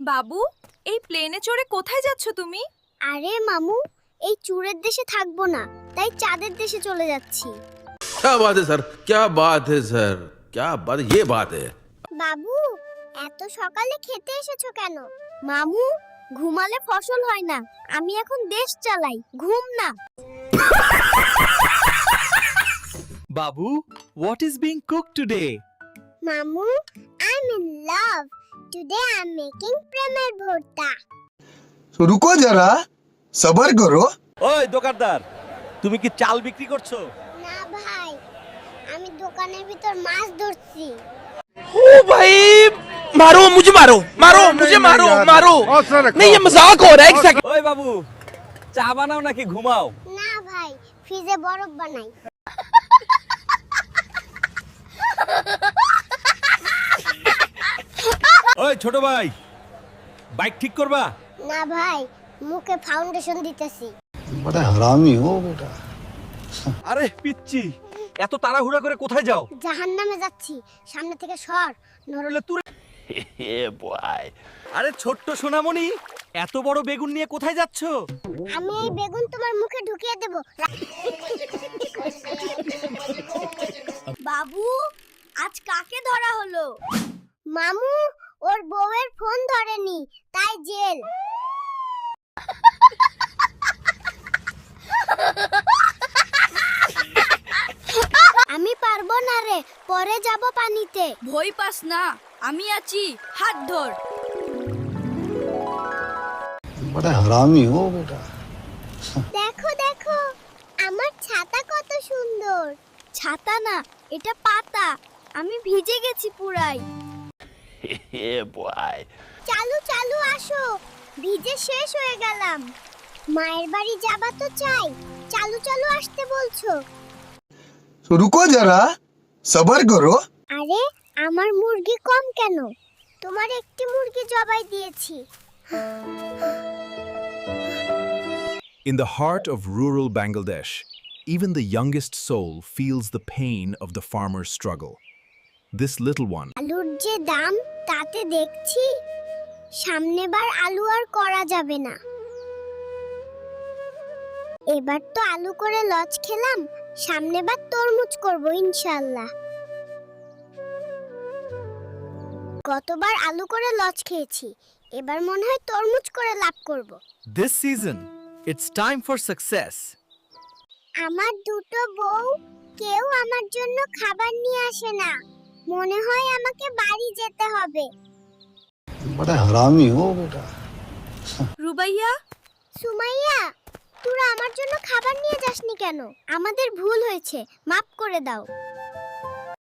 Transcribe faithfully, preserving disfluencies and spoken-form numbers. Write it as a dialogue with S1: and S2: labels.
S1: বাবু, এই প্লেনে চড়ে কোথায় যাচ্ছ তুমি?
S2: আরে মামু, এই চুরের দেশে থাকবো না, তাই চাঁদের দেশে চলে যাচ্ছি।
S3: क्या बात है सर, क्या बात है सर, क्या बात, ये बात है।
S2: বাবু, এত সকালে খেতে এসেছো কেন? মামু, ঘুমালে ফসল হয় না, আমি এখন দেশ চালাই, ঘুম না।
S4: Babu, what is being cooked today?
S2: মামু, I'm in love. Today I'm making প্রেমের ভর্তা।
S5: रुको जरा सबर करो।
S6: ওই দোকানদার, তুমি কি চাল বিক্রি করছো?
S2: না ভাই, আমি দোকানের ভিতর মাছ ধরছি।
S7: ओ भाई मारो मुझे मारो मारो मुझे मारो मारो नहीं ये मजाक हो रहा है एक सेकंड।
S6: ওই বাবু, চা বানাও নাকি ঘুমাও?
S2: না ভাই, ফ্রিজে বরফ বানাই।
S6: ওই ছোট ভাই, বাইক ঠিক করবা?
S2: না ভাই, মুখে ফাউন্ডেশন দিতেছি।
S5: बड़ा हरामी हो बेटा।
S6: আরে পিচ্চি, এত তাড়াহুড়া করে কোথায় যাও?
S2: জাহান্নামে যাচ্ছি, সামনে থেকে সর, নরলে
S6: তুই আরে ছোট্ট সোনামণি, এত বড় বেগুন নিয়ে কোথায় যাচ্ছ?
S2: আমি এই বেগুন তোমার মুখে ঢুকিয়ে দেব। বাবু, আজ কাকে ধরা হলো? মামু, ওর বউয়ের ফোন ধরেনি, তাই জেল। আমি পারবো না রে, পরে যাব পানিতে।
S1: ভয় পাস না, আমি আছি, হাত ধর।
S5: बड़ा हरामी हो बेटा।
S2: দেখো দেখো, আমার ছাতা কত সুন্দর। ছাতা না, এটা পাতা, আমি ভিজে গেছি পুরাই। চালু চালু আসো, ভিজে শেষ হয়ে গেলাম। মায়ের বাড়ি যাবা তো চাই, চালু চালু আসতে বলছো।
S5: रुको जरा सबर करो।
S2: আরে, আমার মুরগি কম কেন? তোমার একটি মুরগি জবাই দিয়েছি।
S8: In the heart of rural Bangladesh, even the youngest soul feels the pain of the farmer's struggle. This little one,
S2: আলুর যে দাম, তাতে দেখছি সামনেবার আলু আর করা যাবে না। এবার তো আলু করে লজ খেলাম, সামনেবার তরমুজ করব ইনশাআল্লাহ। গতবার আলু করে লজ খেয়েছি, এবার মনে হয় তরমুজ করে লাভ করব।
S4: This season, it's time for success.
S2: আমার দুটো বউ, কেউ আমার জন্য খাবার নিয়ে আসে না, মনে হয় আমাকে বাড়ি যেতে হবে।
S5: बड़ा हरामी हो बेटा।
S1: রুবাইয়া,
S2: সুমাইয়া, তোরা আমার জন্য খাবার নিয়ে যাসনি কেন? আমাদের ভুল হয়েছে, মাফ করে দাও।